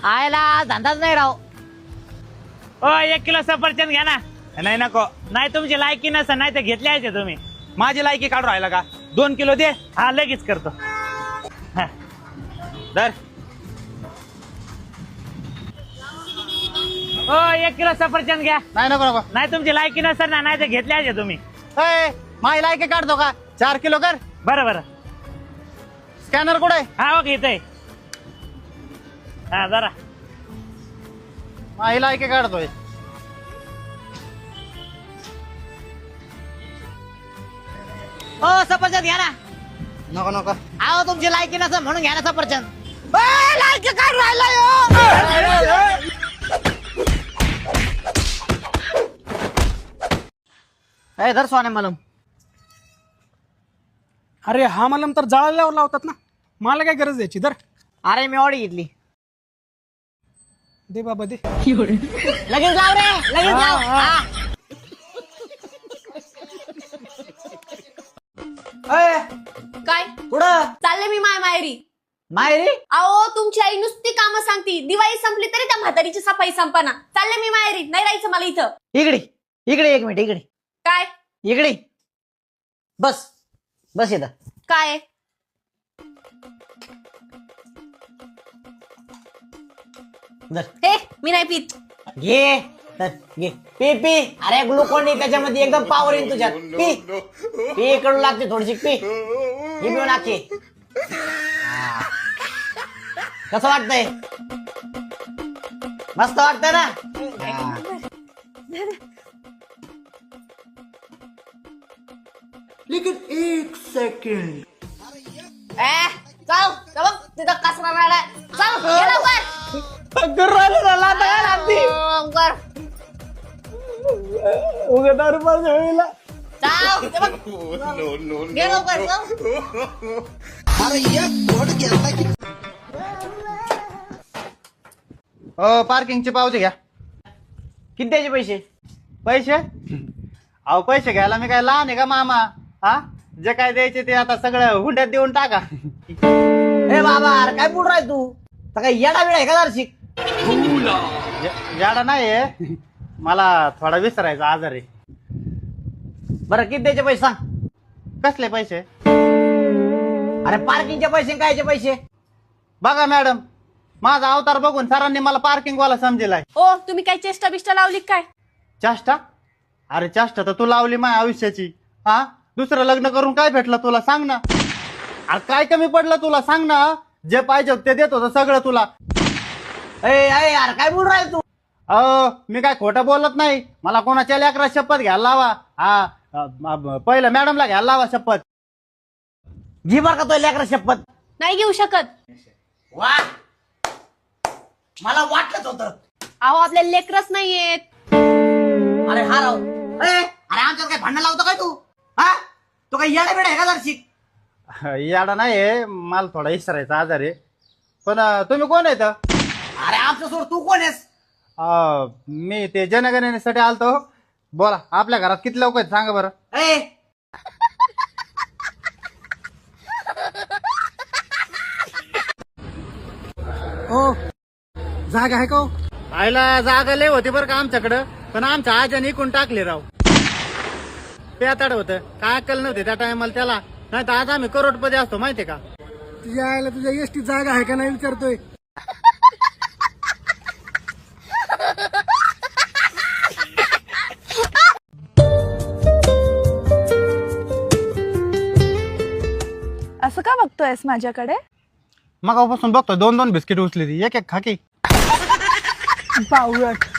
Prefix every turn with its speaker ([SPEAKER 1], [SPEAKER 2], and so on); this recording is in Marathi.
[SPEAKER 1] आयला धंदाच नाही राव.
[SPEAKER 2] ओ 1 किलो सफरचंद घ्या ना.
[SPEAKER 3] नाही नको.
[SPEAKER 2] नाही तुमची लायकी नसेल नाही तर घेतली आहे तुम्ही.
[SPEAKER 3] माझी लायकी काढून राहिला का? 2 किलो दे.
[SPEAKER 2] हा लगेच करतो. हा.
[SPEAKER 3] दर.
[SPEAKER 2] ओ 1 किलो सफरचंद घ्या.
[SPEAKER 4] नाही नको नको.
[SPEAKER 2] नाही तुमची लायकी नसेल ना नाही तर घेतली आहे तुम्ही.
[SPEAKER 4] ए, माझी लायकी काढतो का? 4 किलो कर.
[SPEAKER 2] बरं बरं.
[SPEAKER 4] स्कॅनर कुठे?
[SPEAKER 2] हा ओके इथे. हा जरा.
[SPEAKER 4] माझी लायकी काढतोय.
[SPEAKER 1] हो सफरचंद घ्या ना.
[SPEAKER 4] नको नको.
[SPEAKER 1] अहो तुमची लायकी नसेल म्हणून घ्या ना सफरचंद.
[SPEAKER 4] लायकी काढून राहिला.
[SPEAKER 1] ए धर सोने मलम.
[SPEAKER 5] अरे हा मलम तर जाळल्यावर लावतात ना, मला काय गरज द्यायची? दर
[SPEAKER 1] अरे मी ऑडी घेतली.
[SPEAKER 5] दे बाबा दे.
[SPEAKER 1] लगेच लाव रे लगेच लाव. हा.
[SPEAKER 6] काय
[SPEAKER 1] कुठं
[SPEAKER 6] चालले मी माहेरी.
[SPEAKER 1] माहेरी?
[SPEAKER 6] अहो तुमची आई नुसती कामं सांगती. दिवाळी संपली तरी त्या म्हातारीची सफाई संपना. चालले मी माहेरी. नाही राहायचं मला इथं.
[SPEAKER 1] इकडे इकडे 1 मिनिट इकडे
[SPEAKER 6] काय
[SPEAKER 1] इकडे बस बस इथं.
[SPEAKER 6] काय
[SPEAKER 1] धर.
[SPEAKER 6] हे मी नाही पित.
[SPEAKER 1] घे धर, घे पी पी. अरे ग्लुकोन डी त्याच्यामध्ये एकदम पावर येईल तुझ्यात. पी पी कडू लागते थोडीशी. पी ही पिऊन आखी. कसं वाटतंय? मस्त वाटतंय ना?
[SPEAKER 6] चल बघ तिथं कचरा राहिलाय. चल ये लवकर. कर. चल ते बघ. ये लवकर चल.
[SPEAKER 4] पार्किंगचे पावते घ्या.
[SPEAKER 1] किती द्यायचे पैसे?
[SPEAKER 4] पैसे? अहो पैसे घ्यायला मी काय लहान आहे का मामा? हा जे काय द्यायचे ते आता सगळं हुंड्यात देऊन टाका.
[SPEAKER 1] ए बाबा अरे काय बोल राय तू? तर काय येडा बिडा आहे का जरशी?
[SPEAKER 4] जाडा नाही मला थोडा विसरायचा आजार आहे.
[SPEAKER 1] बरं किती द्यायचे पैसे सांग.
[SPEAKER 4] कसले पैसे?
[SPEAKER 1] अरे पार्किंगचे पैसे कायचे पैसे?
[SPEAKER 4] बघा मॅडम, माझा अवतार बघून सरांनी मला पार्किंग वाला समजेलाय.
[SPEAKER 6] ओ तुम्ही काय चेष्टा बिष्टा लावली काय?
[SPEAKER 4] चाष्टा? अरे चाष्टा तर तू लावली माझ्या आयुष्याची. हा दुसरं लग्न करून काय भेटलं तुला सांग ना. अरे काय कमी पडलं तुला सांग ना. जे पाहिजे ते देत होतं सगळं तुला.
[SPEAKER 1] यार काय बोल राय तू?
[SPEAKER 4] मी काय खोटं बोलत नाही. मला कोणाच्या लेकरा शपथ घ्यायला लावा. हा पहिलं मॅडमला घ्यायला लावा शपथ.
[SPEAKER 1] घे बरं का तो लेकरा शपथ.
[SPEAKER 6] नाही घेऊ शकत.
[SPEAKER 1] वा मला वाटलंच होतं.
[SPEAKER 6] अहो आपल्या लेकरच नाहीयेत.
[SPEAKER 1] अरे हा राव. अरे आमच्यात काय भांडण लावतो काय तू? हा तो काय येडा बिडा आहे का जरशी?
[SPEAKER 4] याडा नाही मला थोडा विसरायचा आजार आहे. पण तुम्ही कोण आहेत?
[SPEAKER 1] अरे आमच्या सोड तू कोण आहेस?
[SPEAKER 4] मी ते जनगणनेसाठी आलतो. बोला आपल्या घरात किती लोक आहेत सांगा बरं.
[SPEAKER 5] ओ जागा आहे का हो?
[SPEAKER 4] आईला जागा लय होती बरं का आमच्याकडं, पण आमच्या आजाने इकून टाकले राव. पेताड होतं काय अक्कल नव्हते त्या टायमाला त्याला. नाही तर आज आम्ही करोडपती असतो माहितीये का.
[SPEAKER 5] तुझ्या आईला तुझ्या एसटी जागा आहे का नाही विचारतोय.
[SPEAKER 7] असं का बघतोयस माझ्याकडे?
[SPEAKER 4] मगापासून बघतो 2-2 बिस्किट उचली ती. एक खाकी.
[SPEAKER 7] बावळट.